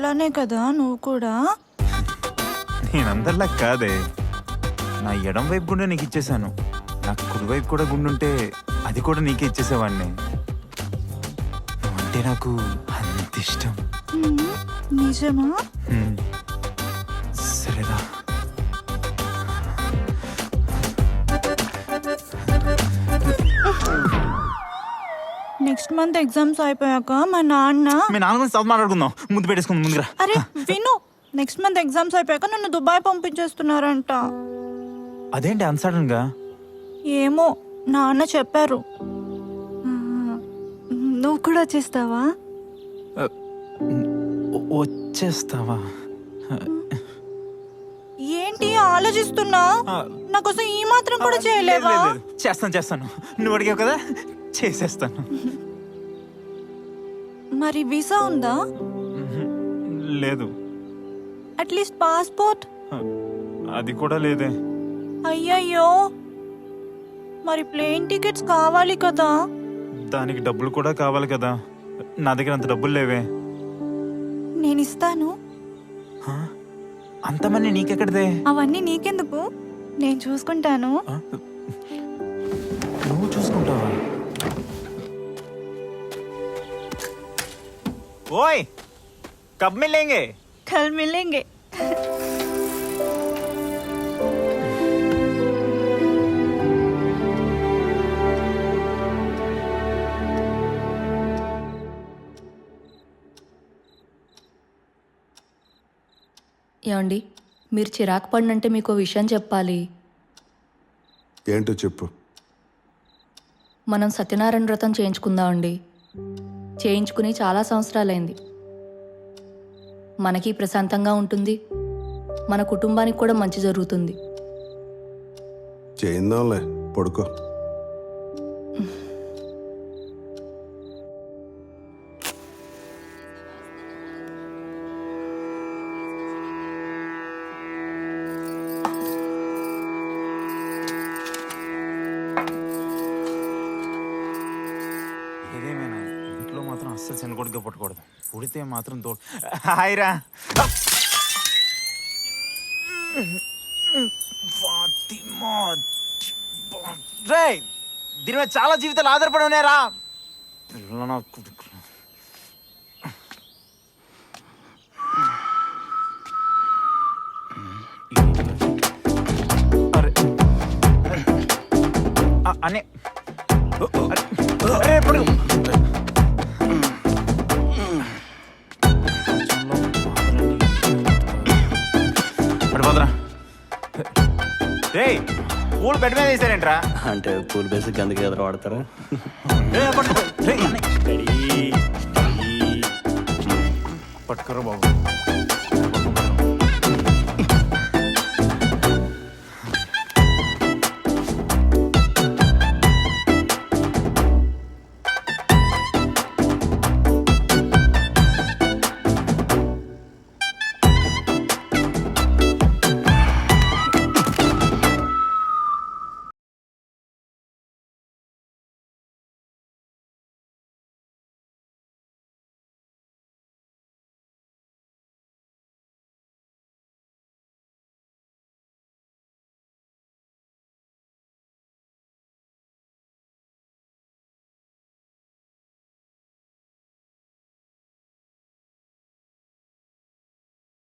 నాలానే కదా నువ్వు కూడా? నేనందరిలా కాదే, నా ఎడం వైపు గుండె నీకు ఇచ్చేసాను. నాకు కుడివైపు కూడా గుండుంటే అది కూడా నీకే ఇచ్చేసేవాడిని. నువ్వంటే నాకు అంత ఇష్టం. నిజమా? సరేరా. నెక్స్ట్ మంత్ ఎగ్జామ్స్ అయిపోయాక మా నాన్న మీ నాన్న గురించి చదువు మాట్లాడుకుందాం. ముందు పెట్టేసుకుందాం ముందుగా. అరే విను, నెక్స్ట్ మంత్ ఎగ్జామ్స్ అయిపోయాక నన్ను దుబాయ్ పంపించేస్తున్నారంట. అదేంటి అంత సడన్ గా? ఏమో నాన్న చెప్పారు. నువ్వు కూడా వచ్చేస్తావా? వచ్చేస్తావా? ఏంటి ఆలోచిస్తున్నా? నాకోసం ఈ మాత్రం కూడా చేయలేవా? చేస్తాను. నువ్వు అడిగావు కదా, చేసేస్తాను. మరి వీసా ఉందా? లేదు. At least passport? అది కూడా లేదే. అయ్యయ్యో, మరి ప్లేన్ టికెట్స్ కావాలి కదా? దానికి డబ్బులు కూడా కావాలి కదా. నా దగ్గర అంత డబ్బులు లేవే. నేను ఇస్తాను. అంతమంది నీకెక్కడిదే? అవన్నీ నీకెందుకు, నేను చూసుకుంటాను. నువ్వు చూసుకుంటావా? ఓయ్, కబ్ మిలేంగే? కల్ మిలేంగే. ఏమండి, మీరు చిరాకు పడినంటే మీకు విషయం చెప్పాలి. ఏంటో చెప్పు. మనం సత్యనారాయణ వ్రతం చేయించుకుందామండి. చేయించుకుని చాలా సంవత్సరాలైంది. మనకి ప్రశాంతంగా ఉంటుంది, మన కుటుంబానికి కూడా మంచి జరుగుతుంది. చేయిందాంలే, పడుకో. ఏదేమైనా ఇంట్లో మాత్రం అస్సలు చిన్నకొడుగా పట్టకూడదు. పుడితే మాత్రం తోడు. హాయ్రా. రేయ్, దీని మీద చాలా జీవితాలు ఆధారపడి ఉన్నాయరా. అనే పడిపోదరా. రే, పూలు బెడ్ మీద వేసారేంట్రా? అంటే పూల్ బేసిక్ అందుకే ఎదురు వాడతారా? పట్టుకోరా బాబు.